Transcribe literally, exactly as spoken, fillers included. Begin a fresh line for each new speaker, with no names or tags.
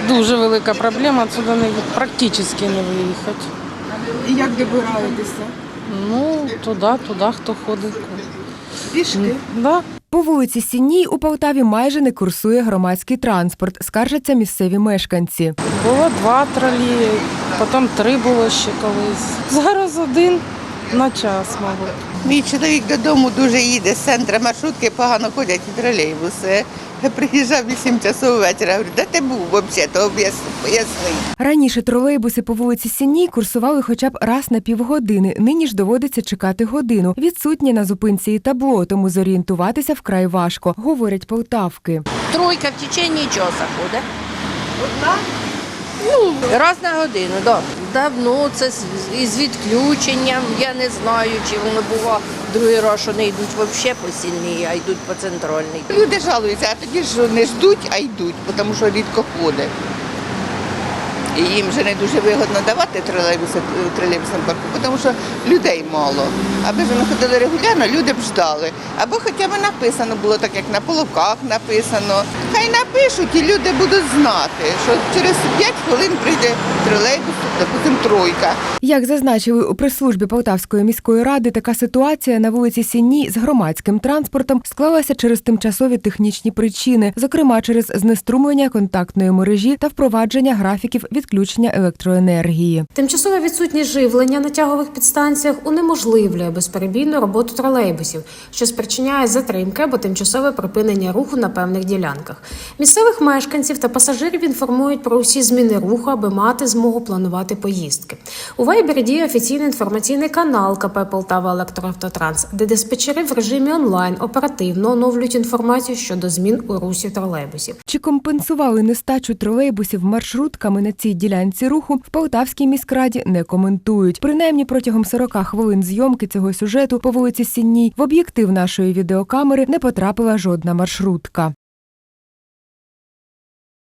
Дуже велика проблема, отсюда не, практично не виїхати.
І як добираєтеся?
Ну, туди, туди, хто ходить.
Пішки?
Да.
По вулиці Сінній у Полтаві майже не курсує громадський транспорт, скаржаться місцеві мешканці.
Було два тролі, потім три було ще колись. Зараз один на час, мабуть.
Мій чоловік додому дуже їде з центру, маршрутки погано ходять і тролейбуси. Я приїжджав вісім часов вечора, говорю, де ти був взагалі, то поясни.
Раніше тролейбуси по вулиці Сінній курсували хоча б раз на півгодини, нині ж доводиться чекати годину. Відсутнє на зупинці і табло, тому зорієнтуватися вкрай важко, говорять полтавки.
Тройка в течение часу ходить.
Одна?
Ну, раз на годину, так. Да. Давно це з- із відключенням, я не знаю, чи воно було другий раз, що не йдуть взагалі по сільній, а йдуть по центральній.
Люди жалуються, а тоді ж не ждуть, а йдуть, тому що рідко ходить. І їм вже не дуже вигідно давати тролейбуси в тролейбусному парку, тому що людей мало. Аби ж вони ходили регулярно, люди б ждали. Або хоча б написано було так, як на полоках написано. Хай напишуть і люди будуть знати, що через п'ять хвилин прийде тролейбус, допустим, тройка.
Як зазначили у прес-службі Полтавської міської ради, така ситуація на вулиці Сінній з громадським транспортом склалася через тимчасові технічні причини, зокрема через знеструмлення контактної мережі та впровадження графіків відключення електроенергії.
Тимчасова відсутність живлення на тягових підстанціях унеможливлює безперебійну роботу тролейбусів, що спричиняє затримки або тимчасове припинення руху на певних ділянках. Місцевих мешканців та пасажирів інформують про усі зміни руху, аби мати змогу планувати поїздки. У Вайбері діє офіційний інформаційний канал КП «Полтава Електроавтотранс», де диспетчери в режимі онлайн оперативно оновлюють інформацію щодо змін у русі тролейбусів.
Чи компенсували нестачу тролейбусів маршрутками на цій ділянці руху, в Полтавській міськраді не коментують. Принаймні протягом сорока хвилин зйомки цього сюжету по вулиці Сінній в об'єктив нашої відеокамери не потрапила жодна маршрутка.